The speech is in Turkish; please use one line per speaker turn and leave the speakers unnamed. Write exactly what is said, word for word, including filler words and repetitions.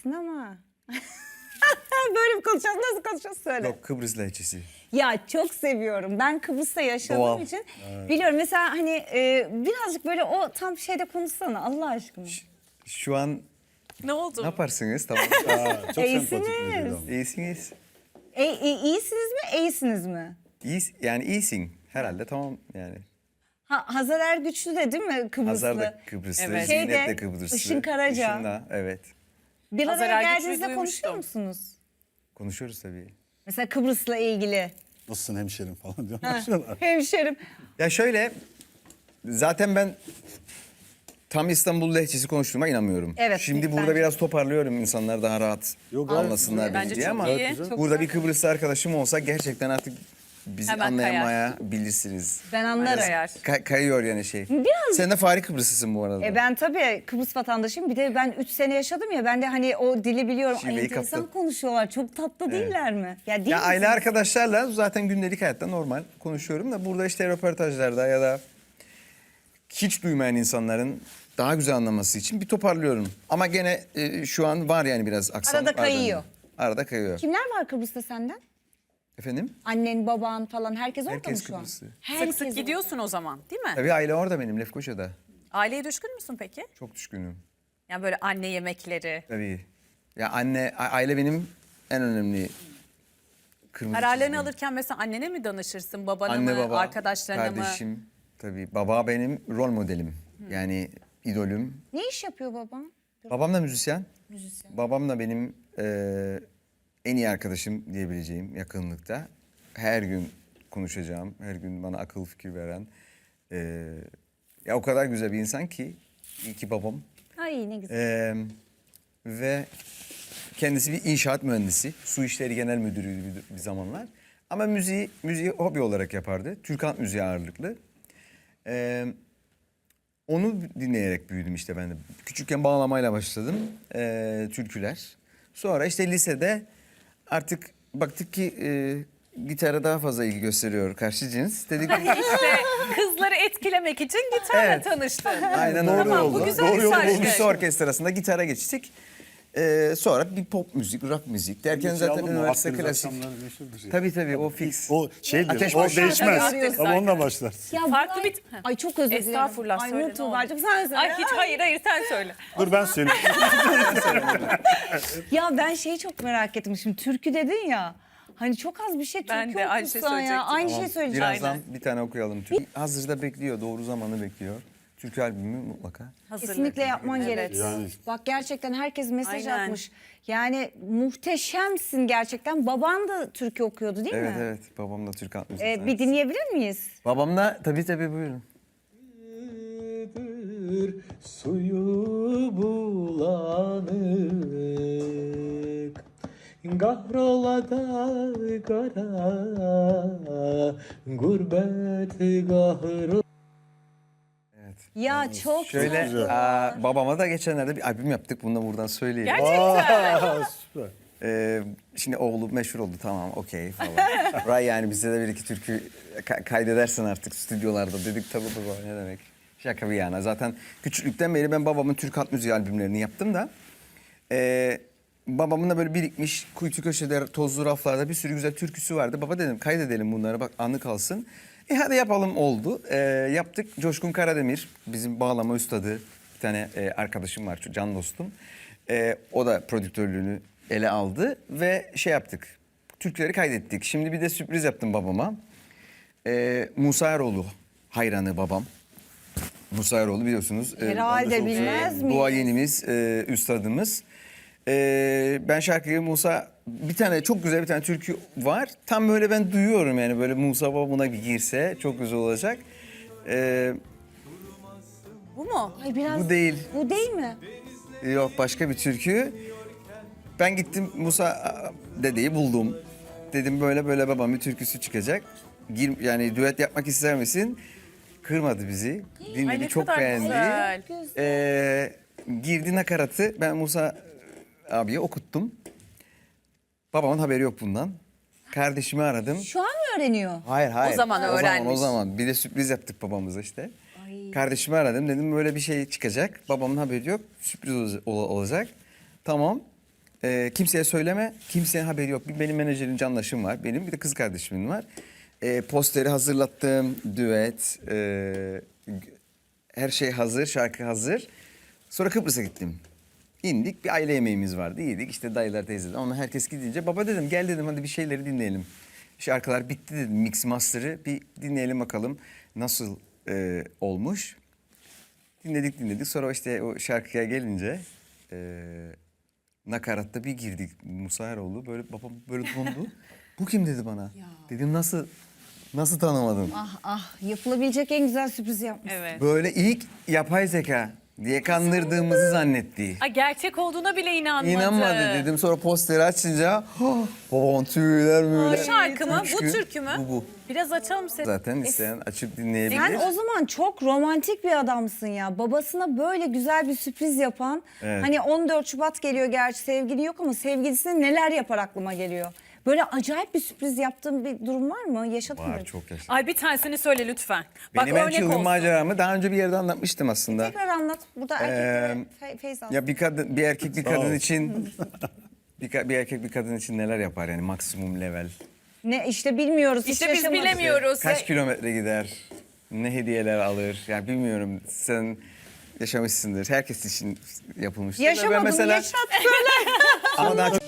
değilsin ama. Böyle mi konuşacağız? Nasıl konuşacağız? Söyle.
Yok, Kıbrıs lehçesi.
Ya çok seviyorum. Ben Kıbrıs'ta yaşadığım
Doğal.
için biliyorum. Mesela hani e, birazcık böyle o tam şeyde konuşsana Allah aşkına.
Şu an
Ne oldu?
ne yaparsınız? Tamam.
Aa, çok
İyisiniz.
sempatik bir adam.
İyisiniz.
E, e, iyisiniz mi? İyisiniz mi?
İyi, yani iyisin. Herhalde tamam yani.
Ha, Hazar Ergüçlü de değil mi Kıbrıslı?
Hazar da Kıbrıslı,
Evet.
Zeynep
Şeyde,
de Kıbrıslı.
Işın Karaca.
Işın da, evet.
Bir
Hazar
araya
Ergüçlü'yü
geldiğinizde konuşuyor
duymuştum.
musunuz?
Konuşuyoruz tabii.
Mesela Kıbrıs'la ilgili.
Nasılsın hemşerim falan diyorlar.
Hemşerim.
Ya şöyle, zaten ben tam İstanbul lehçesi konuştuğuma inanmıyorum.
Evet,
Şimdi burada
bence.
biraz toparlıyorum insanlar daha rahat
Yok, gayet
anlasınlar
güzel.
bizi
Bence
diye
çok
ama
iyi.
güzel.
Çok
burada
güzel.
bir Kıbrıslı arkadaşım olsa gerçekten artık bizi
Hemen
anlayamayabilirsiniz.
Ben anlarım.
Kayar.
Kay- kayıyor yani şey.
Biraz-
Sen de Fahri Kıbrıslısın bu arada.
E ben tabii Kıbrıs vatandaşıyım. Bir de ben üç sene yaşadım ya. Ben de hani o dili biliyorum. Ay,
Şiveyi
enteresan
kaptın.
konuşuyorlar. Çok tatlı değiller mi? Ya, değil
Ya aile
misiniz?
arkadaşlarla zaten gündelik hayatta normal konuşuyorum da burada işte röportajlarda ya da hiç duymayan insanların daha güzel anlaması için bir toparlıyorum. Ama gene e, şu an var yani biraz aksan.
Arada
var
kayıyor.
bende. Arada kayıyor.
Kimler var Kıbrıs'ta senden?
Efendim?
Annen, baban falan herkes orada
Herkes
mı şu an?
Kıbrıslı.
Herkes
Sık sık gidiyorsun o zaman değil mi?
Tabii aile orada benim Lefkoşa'da.
Aileye düşkün müsün peki?
Çok düşkünüm.
Yani böyle anne yemekleri.
Tabii. Ya anne, a- aile benim en önemli kırmızı
Kararlarını
çizgim.
alırken mesela annene mi danışırsın? Babana
Anne,
mı?
baba,
Arkadaşlarına mı?
kardeşim. Tabii baba benim rol modelim. Yani idolüm.
Ne iş yapıyor baban?
Babam da müzisyen.
Müzisyen.
Babam da benim e, en iyi arkadaşım diyebileceğim yakınlıkta. Her gün konuşacağım, her gün bana akıl fikir veren. e, ya o kadar güzel bir insan ki, iyi ki babam.
Ay ne güzel.
E, ve kendisi bir inşaat mühendisi, su işleri genel müdürüydü bir, bir zamanlar. Ama müziği, müziği hobi olarak yapardı. Türk halk müziği ağırlıklı. E, Onu dinleyerek büyüdüm işte ben de. Küçükken bağlamayla başladım. Ee, türküler. Sonra işte lisede artık baktık ki e, gitara daha fazla ilgi gösteriyor karşı cins. Dedik
İşte kızları etkilemek için gitarla
Evet.
tanıştın.
aynen
Doğru
öyle
Tamam,
oldu.
bu güzel
Doğru
bir
yolu
saç.
bulmuş.
Lise orkestrasında gitara geçtik. Ee, sonra bir pop müzik, rock müzik derken zaten üniversite klasik. Tabii tabii o fix.
O şeydir,
Ateş
o
başlar.
değişmez.
Arıyoruz
Ama onunla başlar.
Ya
Farklı
Buray-
bir-
Ay çok özür dilerim.
Estağfurullah,
Ay
söyle,
Nur
ne
Tuğba'cığım sen söyle.
Ay hiç hayır hayır sen söyle.
Dur ben söyleyeyim.
Ya ben şeyi çok merak ettim. Şimdi türkü dedin ya. Hani çok az bir şey türkü
Ben de aynı şey
okursan ya.
söyleyecektim.
Aynı
Tamam,
şey söyleyeceğim.
birazdan bir tane okuyalım. Türkü. Hazırda bekliyor, doğru zamanı bekliyor. Türkü albümü mutlaka.
Hazırlık.
Kesinlikle yapman
Evet.
gerek.
Yani-
Bak gerçekten herkes mesaj
Aynen.
atmış. Yani muhteşemsin gerçekten. Baban da türkü okuyordu değil
Evet
mi?
evet, babam da Türk halk müziği
Ee, bir
sanatçısı.
dinleyebilir miyiz?
Babam da tabii tabii buyurun.
Suyu bulanık, kahrola da kara, gurbet gahrı.
Ya çok
Şöyle
güzel.
aa, babama da geçenlerde bir albüm yaptık. Bunu da buradan söyleyeyim.
Gerçekten.
Aa, süper.
Ee, şimdi oğlu meşhur oldu, tamam okey falan. Ray yani bize de bir iki türkü ka- kaydedersin artık stüdyolarda. Dedik tabii baba, ne demek. Şaka bir yana. Zaten küçüklükten beri ben babamın Türk halk müziği albümlerini yaptım da. E, babamın da böyle birikmiş kuytu köşede tozlu raflarda bir sürü güzel türküsü vardı. Baba dedim kaydedelim bunları, bak anı kalsın. E hadi yapalım, oldu. E, yaptık. Coşkun Karademir bizim bağlama üstadı, bir tane e, arkadaşım var, can dostum. E, o da prodüktörlüğünü ele aldı ve şey yaptık. Türküleri kaydettik. Şimdi bir de sürpriz yaptım babama. E, Musa Eroğlu hayranı babam. Musa Eroğlu biliyorsunuz. e,
Herhalde bilmez miyiz?
duayenimiz, e, üstadımız. E, ben şarkıyı Musa, bir tane çok güzel bir tane türkü var. Tam böyle ben duyuyorum yani, böyle Musa Baba buna bir girse çok güzel olacak. E,
Bu mu?
Ay biraz.
bu değil.
Bu değil mi?
Yok, başka bir türkü. Ben gittim Musa dedeyi buldum. Dedim böyle böyle babam bir türküsü çıkacak. Gir, yani düet yapmak ister misin? Kırmadı bizi. Dinledi,
Ay ne
çok
kadar
beğendi.
güzel.
Ee, girdi nakaratı ben Musa abiye okuttum. Babamın haberi yok bundan. Kardeşimi aradım.
Şu an mı öğreniyor?
Hayır hayır.
O zaman
O zaman,
öğrenmiş.
o zaman. Bir de sürpriz yaptık babamıza işte. Kardeşimi aradım, dedim böyle bir şey çıkacak. Babamın haberi yok. Sürpriz olacak. olacak. Tamam. Ee, kimseye söyleme, kimsenin haberi yok. Bir benim menajerim Canlaşım var, benim bir de kız kardeşimin var. Ee, posteri hazırlattım, düet, e, her şey hazır, şarkı hazır. Sonra Kıbrıs'a gittim. İndik, bir aile yemeğimiz vardı, yedik. İşte dayılar, teyzeler, onlar herkes gidince baba dedim gel dedim hadi bir şeyleri dinleyelim. Şarkılar bitti dedim, mix master'ı bir dinleyelim bakalım nasıl e, olmuş. Dinledik dinledik sonra işte o şarkıya gelince e, nakaratta bir girdik Musa Eroğlu böyle babam böyle dondu. Bu kim dedi bana. Dedim nasıl nasıl tanımadın?
Ah ah yapılabilecek en güzel sürpriz yapmış.
Evet.
Böyle ilk yapay zeka diye kandırdığımızı zannetti.
Ay, gerçek olduğuna bile inanmadı.
İnanmadı dedim sonra posteri açınca oh, babam tüyler
Bu
böyle.
şarkı mı?
Üç
Bu
gün-
türkü mü?
Bu bu.
Biraz açalım seni.
Zaten isteyen açıp dinleyebilir.
Sen o zaman çok romantik bir adamsın ya. Babasına böyle güzel bir sürpriz yapan.
Evet.
Hani on dört Şubat geliyor gerçi sevgili yok ama sevgilisine neler yapar aklıma geliyor. Böyle acayip bir sürpriz yaptığın bir durum var mı? Yaşadın mı?
Var çok yaşa.
Ay bir tanesini söyle lütfen.
Benim
Bak
en
örnek
çılgın
olsun.
maceramı daha önce bir yerde anlatmıştım aslında.
Tekrar anlat. Burada erkeklere fe- feyz al.
Ya bir kadın, bir erkek bir kadın
ol.
için bir, ka- bir erkek bir kadın için neler yapar yani maksimum level.
Ne işte bilmiyoruz. hiç
İşte biz
yaşamadık.
bilemiyoruz.
Kaç kilometre gider? Ne hediyeler alır? Yani bilmiyorum. Sen yaşamışsındır. Herkes için yapılmıştır.
Yaşamadım
Ben mesela
yaşat söyle.
ama daha çok